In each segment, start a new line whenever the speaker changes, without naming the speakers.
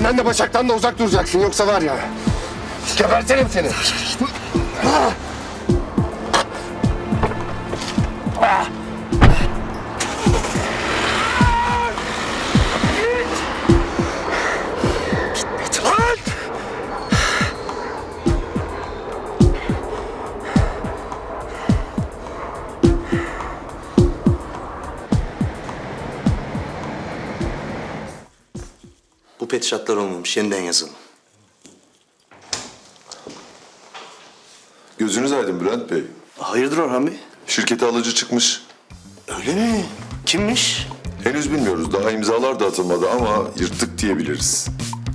Benden de Başak'tan da uzak duracaksın. Yoksa var ya... Gebertirim seni.
Bu pet şartlar olmamış. Yeniden yazalım.
Gözünüz aydın Bülent Bey.
Hayırdır Orhan Bey?
Şirkete alıcı çıkmış.
Öyle mi? Kimmiş?
Henüz bilmiyoruz. Daha imzalar da atılmadı ama yırttık diyebiliriz.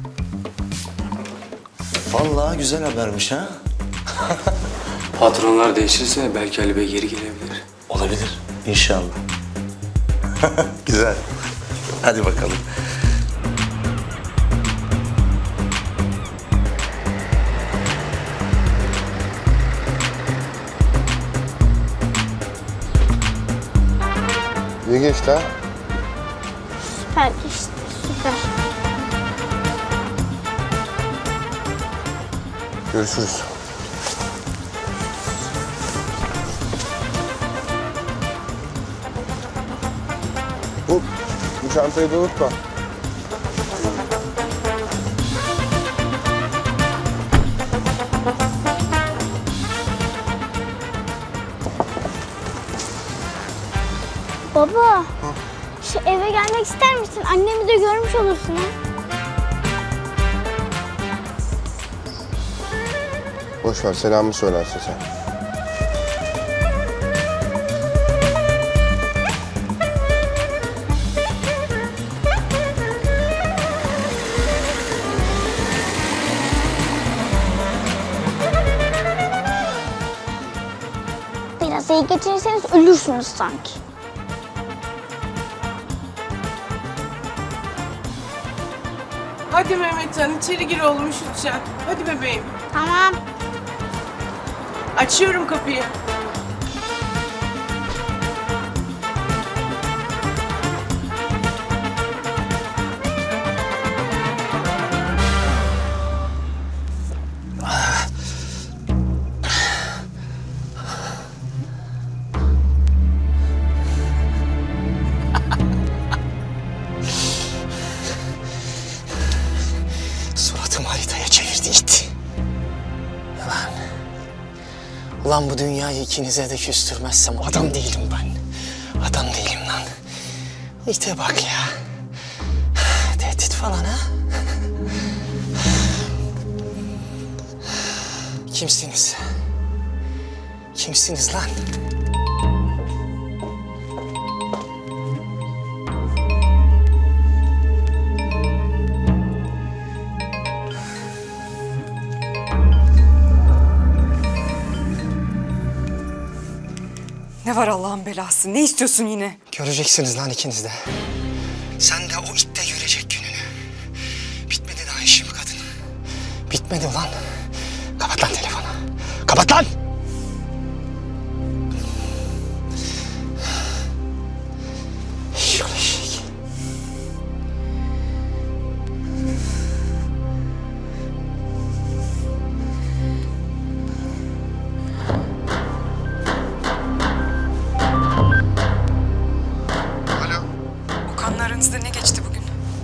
Vallahi güzel habermiş ha.
Patronlar değişirse belki Ali Bey geri gelebilir.
Olabilir. İnşallah. Güzel. Hadi bakalım.
İyi geçti ha.
Süper işte, süper.
Görüşürüz. Hop, bu çantayı da unutma.
Baba, şu eve gelmek ister misin? Annemi de görmüş olursun ha.
Boş ver, selamımı söylersin sen.
Biraz iyi geçirirseniz ölürsünüz sanki.
Hadi Mehmetcan içeri gir oğlum üşüteceksin. Hadi bebeğim.
Tamam.
Açıyorum kapıyı.
Suratımı haritaya çevirdi it. Ulan bu dünyayı ikinize de küstürmezsem adam değilim ben. Adam değilim lan. İte bak ya. Tehdit falan ha? Kimsiniz? Kimsiniz lan?
Ne var Allah'ın belası? Ne istiyorsun yine?
Göreceksiniz lan ikiniz de. Sen de o itte görecek gününü. Bitmedi daha işim kadın. Bitmedi ulan. Kapat lan telefonu. Kapat lan! Şöyle şey.
Okan'la aranızda ne geçti bugün?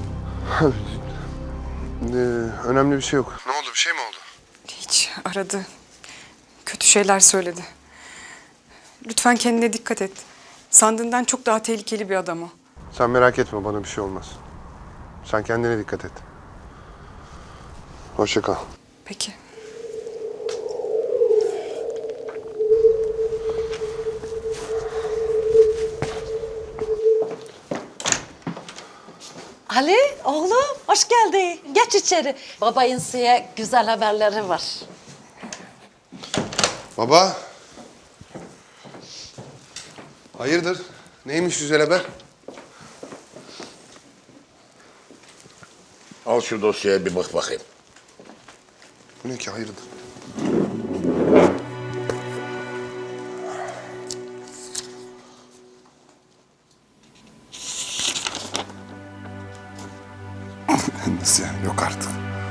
Önemli bir şey yok. Ne oldu, bir şey mi oldu?
Hiç aradı. Kötü şeyler söyledi. Lütfen kendine dikkat et. Sandığından çok daha tehlikeli bir adam o.
Sen merak etme, bana bir şey olmaz. Sen kendine dikkat et. Hoşça kal.
Peki.
Ali, oğlum hoş geldin. Geç içeri. Babayın size güzel haberleri var.
Baba. Hayırdır? Neymiş güzel haber?
Al şu dosyaya bir bak bakayım.
Bu ne ki, hayırdır?
Nasıl yani? Yok
Yok artık.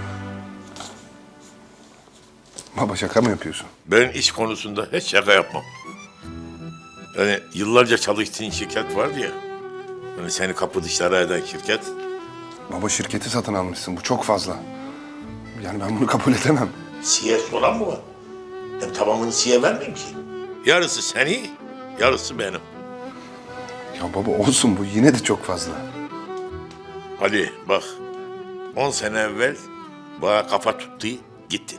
Baba şaka mı yapıyorsun?
Ben iş konusunda hiç şaka yapmam. Yani yıllarca çalıştığın şirket vardı ya. Hani seni kapı dışarı eden şirket.
Baba şirketi satın almışsın. Bu çok fazla. Yani ben bunu kabul edemem.
Siye soran mı var? Hem tamamını siye vermeyeyim ki. Yarısı seni, yarısı benim.
Ya baba olsun, bu yine de çok fazla.
Hadi bak, 10 sene evvel bana kafa tuttu, gittin.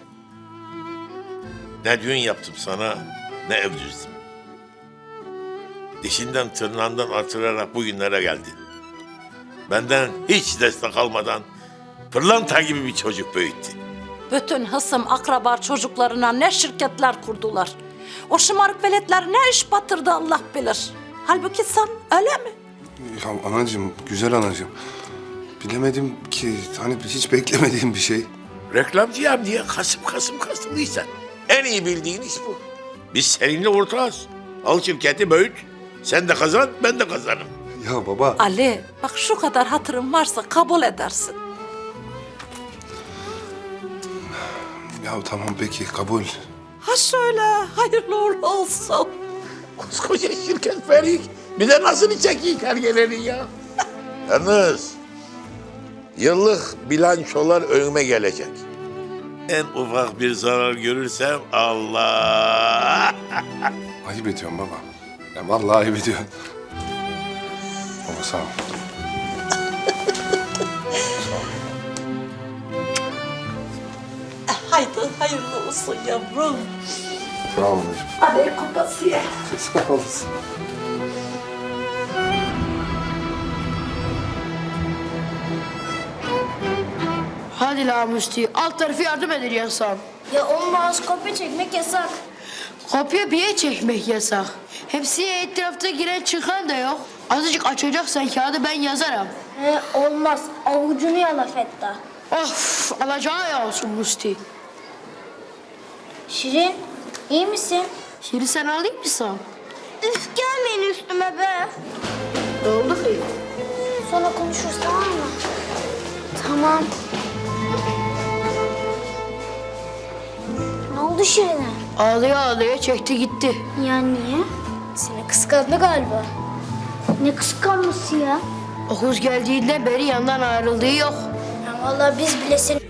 Ne düğün yaptım sana, ne ev düzdüm. Dişinden tırnağından artırarak bugünlere geldin. Benden hiç destek almadan pırlanta gibi bir çocuk büyüttün.
Bütün hısım akraba çocuklarına ne şirketler kurdular. O şımarık veletler ne iş batırdı Allah bilir. Halbuki sen öyle mi?
Ya anacığım, güzel anacığım. Bilemedim ki, hani hiç beklemediğim bir şey.
Reklamcıyım diye kasımlıysan. En iyi bildiğin iş bu. Biz seninle ortağız. Al şirketi büyüt. Sen de kazan, ben de kazanım.
Ya baba.
Ali bak şu kadar hatırın varsa kabul edersin.
Ya tamam peki, kabul.
Ha şöyle hayırlı uğurlu olsun.
Koskoca şirket verik. Bir de nasıl çekeyim hergelerin ya? Yalnız yıllık bilançolar önüme gelecek. En ufak bir zarar görürsem Allah!
Ayıp ediyorsun baba. Ya vallahi ayıp ediyorsun. Baba sağ ol.
Haydi hayırlı olsun yavrum.
Sağ ol anacığım.
Hadi kupası ye.
Sağ olasın.
Hadi la Musti, alt tarafı yardım edin yasak.
Ya olmaz, kopya çekmek yasak.
Kopya bir yere çekmek yasak. Hepsi etrafta giren çıkan da yok. Azıcık açacaksan kağıdı ben yazarım.
Olmaz, avucunu yala Fetta.
Of, alacağı ya olsun Musti.
Şirin, iyi misin?
Şimdi sen alayım mı sen?
Üf, gelmeyin üstüme be.
Ne oldu ki?
Sonra konuşuruz, tamam mı? Tamam. Ne oldu Şirin'e?
Ağlaya ağlaya çekti gitti.
Ya niye? Seni kıskandı galiba. Ne kıskanması ya?
Okuz geldiğinden beri yandan ayrıldığı yok.
Ya vallahi biz bile seni